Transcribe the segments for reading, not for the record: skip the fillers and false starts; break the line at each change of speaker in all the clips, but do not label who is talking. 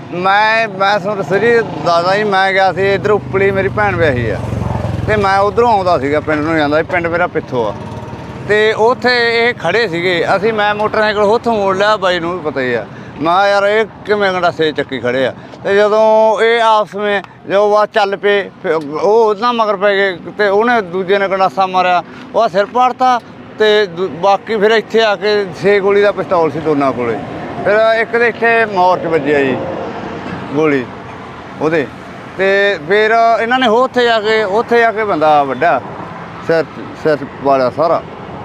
ਮੈਂ ਤੁਹਾਨੂੰ ਦੱਸਿਆ ਜੀ ਦਾਦਾ ਜੀ, ਮੈਂ ਗਿਆ ਸੀ ਇੱਧਰ ਉਪਲੀ, ਮੇਰੀ ਭੈਣ ਵਿਆਹੀ ਆ ਅਤੇ ਮੈਂ ਉੱਧਰੋਂ ਆਉਂਦਾ ਸੀਗਾ, ਪਿੰਡ ਨੂੰ ਜਾਂਦਾ ਸੀ। ਪਿੰਡ ਮੇਰਾ ਪਿੱਥੋਂ ਆ ਅਤੇ ਉੱਥੇ ਇਹ ਖੜ੍ਹੇ ਸੀਗੇ। ਮੈਂ ਮੋਟਰਸਾਈਕਲ ਉੱਥੋਂ ਮੋੜ ਲਿਆ, ਬਾਈ ਨੂੰ ਵੀ ਪਤਾ ਹੀ ਆ। ਮੈਂ ਕਿਹਾ ਯਾਰ ਇਹ ਕਿਵੇਂ ਗੰਡਾਸੇ ਚੱਕੀ ਖੜ੍ਹੇ ਆ। ਅਤੇ ਜਦੋਂ ਇਹ ਆਪਸ ਵਿੱਚ ਜਦੋਂ ਬਾਅਦ ਚੱਲ ਪਏ, ਫਿਰ ਉਹ ਉਹਦੇ ਮਗਰ ਪੈ ਗਏ ਅਤੇ ਉਹਨੇ ਦੂਜੇ ਨੇ ਗੰਡਾਸਾ ਮਾਰਿਆ, ਉਹਦਾ ਸਿਰ ਪਾੜਤਾ। ਅਤੇ ਬਾਕੀ ਫਿਰ ਇੱਥੇ ਆ ਕੇ 6 ਗੋਲੀ ਦਾ ਪਿਸਤੌਲ ਸੀ ਦੋਨਾਂ ਕੋਲ। ਫਿਰ ਇੱਕ ਦੇ ਇੱਥੇ ਮੋਰ 'ਚ ਵੱਜਿਆ ਜੀ ਗੋਲੀ ਉਹਦੇ, ਅਤੇ ਫਿਰ ਇਹਨਾਂ ਨੇ ਉੱਥੇ ਜਾ ਕੇ ਬੰਦਾ ਵੱਢਿਆ, ਸਿਰ ਵਾਲਿਆ ਸਾਰਾ।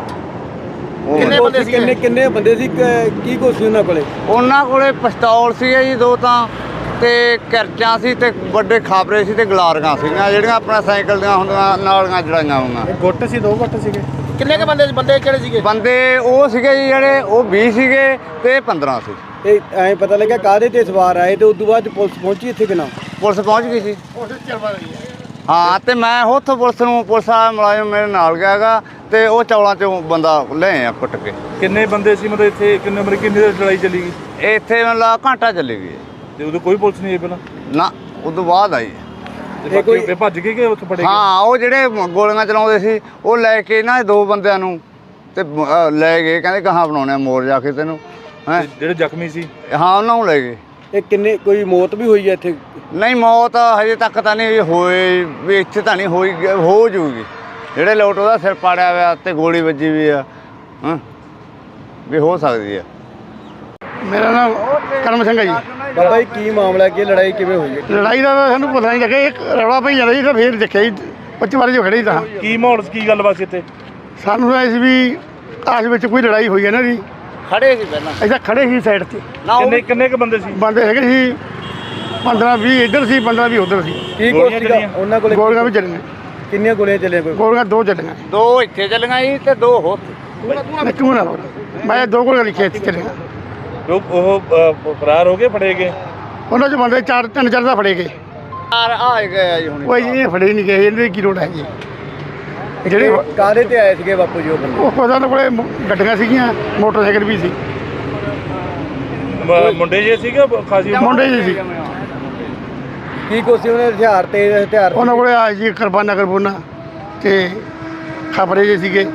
ਕਿੰਨੇ ਬੰਦੇ ਸੀ? ਕੀ ਕੁਛ ਸੀ ਉਹਨਾਂ ਕੋਲੇ?
ਪਿਸਤੌਲ ਸੀਗੇ ਜੀ 2 ਤਾਂ, ਅਤੇ ਕਿਰਚਾਂ ਸੀ, ਅਤੇ ਵੱਡੇ ਖਾਬਰੇ ਸੀ, ਅਤੇ ਗਲਾਰੀਆਂ ਸੀਗੀਆਂ ਜਿਹੜੀਆਂ ਆਪਣਾ ਸਾਈਕਲ ਦੀਆਂ ਹੁੰਦੀਆਂ ਨਾਲੀਆਂ ਜੜਾਈਆਂ ਹੋਈਆਂ।
ਗੁੱਟ ਸੀ, 2 ਗੁੱਟ ਸੀਗੇ। ਕਿੰਨੇ ਕੁ ਬੰਦੇ ਕਿਹੜੇ ਸੀਗੇ?
ਬੰਦੇ ਉਹ ਸੀਗੇ ਜੀ ਜਿਹੜੇ ਉਹ 20 ਸੀਗੇ ਅਤੇ 15 ਸੀ।
ਤੇ ਐਂ ਪਤਾ ਲੱਗਿਆ ਕਾਹਦੇ ਤੇ ਸਵਾਰ ਆਏ, ਤੇ ਉਸ ਤੋਂ ਬਾਅਦ ਪੁਲਿਸ ਪਹੁੰਚੀ ਇੱਥੇ ਕਿ ਨਾ?
ਪੁਲਿਸ ਪਹੁੰਚ ਗਈ ਸੀ। ਹਾਂ, ਅਤੇ ਮੈਂ ਉੱਥੋਂ ਪੁਲਿਸ ਵਾਲਾ ਮੁਲਾਜ਼ਮ ਮੇਰੇ ਨਾਲ ਗਿਆ ਹੈਗਾ, ਅਤੇ ਉਹ ਚੌਲਾਂ 'ਚੋਂ ਬੰਦਾ ਲੈ ਆ ਕੁੱਟ ਕੇ।
ਕਿੰਨੇ ਬੰਦੇ ਸੀ ਮਤਲਬ ਇੱਥੇ? ਕਿੰਨੀ ਦੇਰ ਲੜਾਈ ਚੱਲੀ ਗਈ
ਇੱਥੇ ਮਤਲਬ ਘੰਟਾ ਚੱਲੀ ਗਈ।
ਤੇ ਉਦੋਂ ਕੋਈ ਪੁਲਿਸ ਨਹੀਂ ਆਈ ਪਹਿਲਾਂ?
ਨਾ, ਉਦੋਂ ਬਾਅਦ ਆਈ।
ਤੇ ਭੱਜ ਗਏ ਕਿ ਉੱਥੇ ਫੜੇ ਗਏ?
ਹਾਂ, ਉਹ ਜਿਹੜੇ ਗੋਲੀਆਂ ਚਲਾਉਂਦੇ ਸੀ ਉਹ ਲੈ ਕੇ ਇਹਨਾਂ 2 ਬੰਦਿਆਂ ਨੂੰ ਅਤੇ ਲੈ ਗਏ, ਕਹਿੰਦੇ ਕਹਾਂ ਬਣਾਉਣੇ ਮੋਰ ਜਾ ਕੇ ਤੈਨੂੰ ਹੈਂ।
ਜਿਹੜੇ ਜ਼ਖਮੀ ਸੀ?
ਹਾਂ, ਉਹਨਾਂ ਨੂੰ ਲੈ ਗਏ।
ਇਹ ਕਿੰਨੇ ਕੋਈ ਮੌਤ ਵੀ ਹੋਈ ਹੈ ਇੱਥੇ?
ਨਹੀਂ, ਮੌਤ ਹਜੇ ਤੱਕ ਤਾਂ ਨਹੀਂ ਹੋਈ ਵੀ, ਇੱਥੇ ਤਾਂ ਨਹੀਂ ਹੋਈ, ਹੋ ਜੂਗੀ। ਜਿਹੜੇ ਲੋਟ ਉਹਦਾ ਸਿਰ ਪਾੜਿਆ ਹੋਇਆ ਅਤੇ ਗੋਲੀ ਵੱਜੀ ਵੀ ਆ, ਹਾਂ ਵੀ ਹੋ ਸਕਦੀ ਆ।
ਮੇਰਾ ਨਾਮ ਕਰਮ ਸਿੰਘ ਹੈ ਜੀ।
ਬਾਬਾ ਜੀ ਕੀ ਮਾਮਲਾ, ਕੀ ਲੜਾਈ ਕਿਵੇਂ ਹੋਈ ਹੈ?
ਲੜਾਈ ਦਾ ਤਾਂ ਸਾਨੂੰ ਪਤਾ ਨਹੀਂ ਲੱਗਿਆ, ਇੱਕ ਰੌਲਾ ਪਈ ਜਾਂਦਾ ਜੀ, ਤਾਂ ਫਿਰ ਦੇਖਿਆ ਜੀ 25 ਵਾਰੀ ਜੋ ਖੜੇ ਤਾਂ।
ਕੀ ਮਾਹੌਲ ਸੀ, ਕੀ ਗੱਲਬਾਤ ਸੀ ਇੱਥੇ?
ਸਾਨੂੰ ਤਾਂ ਇਸ ਵੀ ਆਸ ਵਿੱਚ ਕੋਈ ਲੜਾਈ ਹੋਈ ਹੈ ਨਾ ਜੀ।
ਖੜੇ ਸੀ ਪਹਿਲਾਂ,
ਅਸੀਂ ਖੜੇ ਸੀ ਸਾਈਡ 'ਤੇ।
ਕਿੰਨੇ ਕੁ ਬੰਦੇ ਸੀ?
ਬੰਦੇ ਹੈਗੇ ਸੀ 15-20 ਇੱਧਰ ਸੀ, 15-20 ਉੱਧਰ ਸੀ।
ਕੀ ਕੁਛ ਸੀਗਾ ਉਹਨਾਂ ਕੋਲੇ?
ਗੋਲੀਆਂ ਵੀ ਚੱਲੀਆਂ।
ਕਿੰਨੀਆਂ ਗੋਲੀਆਂ ਚੱਲੀਆਂ? ਕੋਈ
ਗੋਲੀਆਂ 2 ਚੱਲੀਆਂ।
2 ਇੱਥੇ ਚੱਲੀਆਂ ਜੀ ਅਤੇ 2 ਹੋਰ।
ਕਿਉਂ ਨਾ ਮੈਂ 2 ਗੋਲੀਆਂ ਲਿਖੀਆਂ ਇੱਥੇ ਚੱਲੀਆਂ।
ਲੋਕ ਉਹ ਫਰਾਰ ਹੋ ਗਏ, ਫੜੇ ਗਏ?
ਉਹਨਾਂ 'ਚ ਬੰਦੇ 3-4 ਤਾਂ ਫੜੇ ਗਏ।
ਆ ਗਏ ਆ ਜੀ ਹੁਣ।
ਕੋਈ ਇਹ ਫੜੇ ਨਹੀਂ ਗਏ, ਇਹਨਾਂ ਦੀ ਕੀ ਲੋੜ ਹੈ ਜੀ।
ਜਿਹੜੇ ਕਾਹਦੇ ਤੇ ਆਏ ਸੀਗੇ ਬਾਪੂ ਜੀ ਉਹ ਬੰਦੇ?
ਉਹ ਉਹਨਾਂ ਕੋਲੇ ਗੱਡੀਆਂ ਸੀਗੀਆਂ, ਮੋਟਰਸਾਈਕਲ ਵੀ ਸੀ।
ਮੁੰਡੇ ਜੇ ਸੀਗੇ ਖਾਸੀ?
ਮੁੰਡੇ ਜੀ ਸੀ।
ਕੀ ਕੁਛ ਸੀ ਉਹਨੇ ਹਥਿਆਰ?
ਉਹਨਾਂ ਕੋਲੇ ਆ ਜੀ ਕਿਰਪਾਨਾਂ ਅਤੇ ਖਬਰੇ ਜੇ ਸੀਗੇ,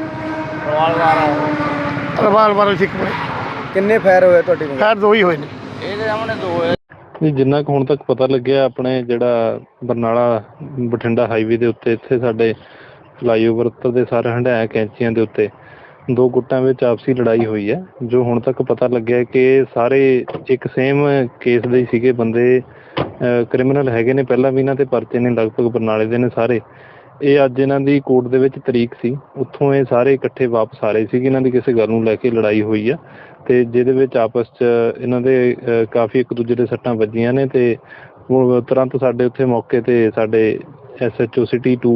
ਰਵਾਲਵਾਰ ਸੀ ਕੋਲੇ।
ਕਿੰਨੇ ਫਾਇਰ ਹੋਏ ਤੁਹਾਡੇ ਕੋਲ?
ਖੈਰ 2 ਹੀ ਹੋਏ ਨੇ।
ਇਹਦੇ ਸਾਹਮਣੇ 2 ਹੋਏ।
ਨਹੀਂ, ਜਿੰਨਾ ਕੁ ਹੁਣ ਤੱਕ ਪਤਾ ਲੱਗਿਆ, ਆਪਣੇ ਜਿਹੜਾ ਬਰਨਾਲਾ ਬਠਿੰਡਾ ਹਾਈਵੇ ਦੇ ਉੱਤੇ ਇੱਥੇ ਸਾਡੇ ਫਲਾਈਓਵਰ ਉੱਤੇ ਸਾਰੇ ਹੰਢਾਇਆ ਕੈਂਚੀਆਂ ਦੇ ਉੱਤੇ 2 ਗੁੱਟਾਂ ਵਿੱਚ ਆਪਸੀ ਲੜਾਈ ਹੋਈ ਹੈ। ਜੋ ਹੁਣ ਤੱਕ ਪਤਾ ਲੱਗਿਆ ਕਿ ਸਾਰੇ ਇੱਕ ਸੇਮ ਕੇਸ ਦੇ ਹੀ ਸੀਗੇ ਬੰਦੇ, ਕ੍ਰਿਮੀਨਲ ਹੈਗੇ ਨੇ, ਪਹਿਲਾਂ ਵੀ ਇਹਨਾਂ 'ਤੇ ਪਰਚੇ ਨੇ, ਲਗਭਗ ਬਰਨਾਲੇ ਦੇ ਨੇ ਸਾਰੇ। ਇਹ ਅੱਜ ਇਹਨਾਂ ਦੀ ਕੋਰਟ ਦੇ ਵਿੱਚ ਤਰੀਕ ਸੀ, ਉੱਥੋਂ ਇਹ ਸਾਰੇ ਇਕੱਠੇ ਵਾਪਸ ਆ ਰਹੇ ਸੀਗੇ। ਇਹਨਾਂ ਦੀ ਕਿਸੇ ਗੱਲ ਨੂੰ ਲੈ ਕੇ ਲੜਾਈ ਹੋਈ ਆ, ਅਤੇ ਜਿਹਦੇ ਵਿੱਚ ਆਪਸ 'ਚ ਇਹਨਾਂ ਦੇ ਕਾਫੀ ਇੱਕ ਦੂਜੇ ਦੇ ਸੱਟਾਂ ਵੱਜੀਆਂ ਨੇ। ਅਤੇ ਤੁਰੰਤ ਸਾਡੇ ਉੱਥੇ ਮੌਕੇ 'ਤੇ ਸਾਡੇ SHO City 2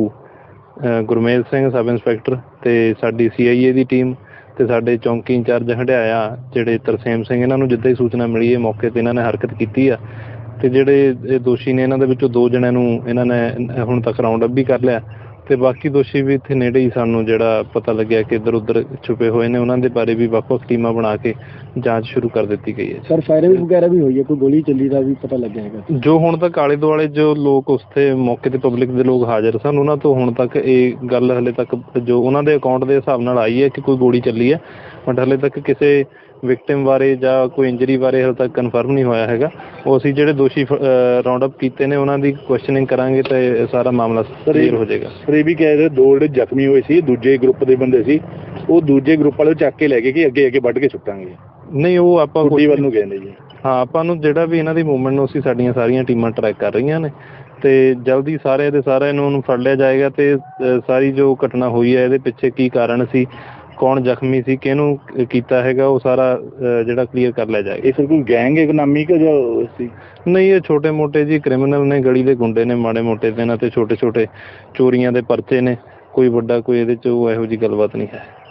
Gurmel Singh sub inspector ਅਤੇ ਸਾਡੀ CIA ਦੀ ਟੀਮ ਅਤੇ ਸਾਡੇ ਚੌਂਕੀ ਇੰਚਾਰਜ ਹੰਢਾਇਆ ਜਿਹੜੇ ਤਰਸੇਮ ਸਿੰਘ, ਇਹਨਾਂ ਨੂੰ ਜਿੱਦਾਂ ਹੀ ਸੂਚਨਾ ਮਿਲੀ ਹੈ ਮੌਕੇ 'ਤੇ ਇਹਨਾਂ ਨੇ ਹਰਕਤ ਕੀਤੀ ਆ। ਅਤੇ ਜਿਹੜੇ ਇਹ ਦੋਸ਼ੀ ਨੇ ਇਹਨਾਂ ਦੇ ਵਿੱਚੋਂ 2 ਜਣਿਆਂ ਨੂੰ ਇਹਨਾਂ ਨੇ ਹੁਣ ਤੱਕ ਰਾਊਂਡ ਅਪ ਵੀ ਕਰ ਲਿਆ, ਅਤੇ ਬਾਕੀ ਦੋਸ਼ੀ ਵੀ ਇੱਥੇ ਨੇੜੇ ਹੀ ਸਾਨੂੰ ਜਿਹੜਾ ਪਤਾ ਲੱਗਿਆ ਕਿ ਇੱਧਰ ਉੱਧਰ ਛੁਪੇ ਹੋਏ ਨੇ, ਉਹਨਾਂ ਦੇ ਬਾਰੇ ਵੀ ਵੱਖ-ਵੱਖ ਟੀਮਾਂ ਬਣਾ ਕੇ ਜਾਂਚ ਸ਼ੁਰੂ ਕਰ ਦਿੱਤੀ ਗਈ ਹੈ।
ਸਰ ਫਾਇਰਿੰਗ ਵਗੈਰਾ ਵੀ ਹੋਈ ਹੈ? ਕੋਈ ਗੋਲੀ ਚੱਲੀ ਦਾ ਵੀ ਪਤਾ ਲੱਗਿਆ ਹੈਗਾ?
ਜੋ ਹੁਣ ਤੱਕ ਆਲੇ ਦੁਆਲੇ ਜੋ ਲੋਕ ਉੱਥੇ ਮੌਕੇ 'ਤੇ ਪਬਲਿਕ ਦੇ ਲੋਕ ਹਾਜ਼ਰ ਸਨ, ਉਹਨਾਂ ਤੋਂ ਹੁਣ ਤੱਕ ਇਹ ਗੱਲ ਹਲੇ ਤੱਕ ਜੋ ਉਹਨਾਂ ਦੇ ਅਕਾਊਂਟ ਦੇ ਹਿਸਾਬ ਨਾਲ ਆਈ ਹੈ ਕਿ ਕੋਈ ਗੋਲੀ ਚੱਲੀ ਹੈ, ਬਟ ਹਲੇ ਤੱਕ ਕਿਸੇ ਵਿਕਟਿਮ ਬਾਰੇ ਜਾਂ ਕੋਈ ਇੰਜਰੀ ਬਾਰੇ ਹਾਲੇ ਤੱਕ ਕਨਫਰਮ ਨਹੀਂ ਹੋਇਆ ਹੈਗਾ। ਉਹ ਅਸੀਂ ਜਿਹੜੇ ਦੋਸ਼ੀ ਰਾਊਂਡ ਅਪ ਕੀਤੇ ਨੇ ਉਹਨਾਂ ਦੀ ਕੁਐਸਚਨਿੰਗ ਕਰਾਂਗੇ ਤਾਂ ਇਹ ਸਾਰਾ ਮਾਮਲਾ ਕਲੀਅਰ ਹੋ ਜਾਏਗਾ।
ਸਰ ਇਹ ਵੀ ਕਹਿ ਰਹੇ 2 ਜਿਹੜੇ ਜ਼ਖਮੀ ਹੋਏ ਸੀ ਦੂਜੇ ਗਰੁੱਪ ਦੇ ਬੰਦੇ ਸੀ, ਉਹ ਦੂਜੇ ਗਰੁੱਪ ਵਾਲੇ ਚੱਕ ਕੇ ਲੈ ਗਏ ਕਿ ਅੱਗੇ ਵੱਢ ਕੇ ਸੁੱਟਾਂਗੇ?
ਨਹੀਂ, ਉਹ ਆਪਾਂ
ਕੁੱਟੀ ਵੱਲ ਨੂੰ ਗਏ ਨੇ ਜੀ।
ਹਾਂ, ਆਪਾਂ ਨੂੰ ਜਿਹੜਾ ਵੀ ਇਹਨਾਂ ਦੀ ਮੂਵਮੈਂਟ ਨੂੰ ਅਸੀਂ ਸਾਡੀਆਂ ਸਾਰੀਆਂ ਟੀਮਾਂ ਟਰੈਕ ਕਰ ਰਹੀਆਂ ਨੇ, ਅਤੇ ਜਲਦੀ ਸਾਰਿਆਂ ਦੇ ਸਾਰਿਆਂ ਨੂੰ ਫੜ ਲਿਆ ਜਾਏਗਾ। ਅਤੇ ਸਾਰੀ ਜੋ ਘਟਨਾ ਹੋਈ ਹੈ ਇਹਦੇ ਪਿੱਛੇ ਕੀ ਕਾਰਨ ਸੀ, ਕੌਣ ਜ਼ਖਮੀ ਸੀ, ਕਿਹਨੂੰ ਕੀਤਾ ਹੈਗਾ, ਉਹ ਸਾਰਾ ਜਿਹੜਾ ਕਲੀਅਰ ਕਰ ਲਿਆ ਜਾਏਗਾ।
ਇਹ ਸਰ ਕੋਈ ਗੈਂਗ ਇਕਨੋਮੀ ਕਿ ਜੋ ਸੀ?
ਨਹੀਂ, ਇਹ ਛੋਟੇ ਮੋਟੇ ਜੀ ਕ੍ਰਿਮੀਨਲ ਨੇ, ਗਲੀ ਦੇ ਗੁੰਡੇ ਨੇ, ਮਾੜੇ ਮੋਟੇ ਦੇ ਇਹਨਾਂ 'ਤੇ ਛੋਟੇ ਛੋਟੇ ਚੋਰੀਆਂ ਦੇ ਪਰਚੇ ਨੇ, ਕੋਈ ਵੱਡਾ ਕੋਈ ਇਹਦੇ 'ਚ ਇਹੋ ਜਿਹੀ ਗੱਲਬਾਤ ਨਹੀਂ ਹੈ।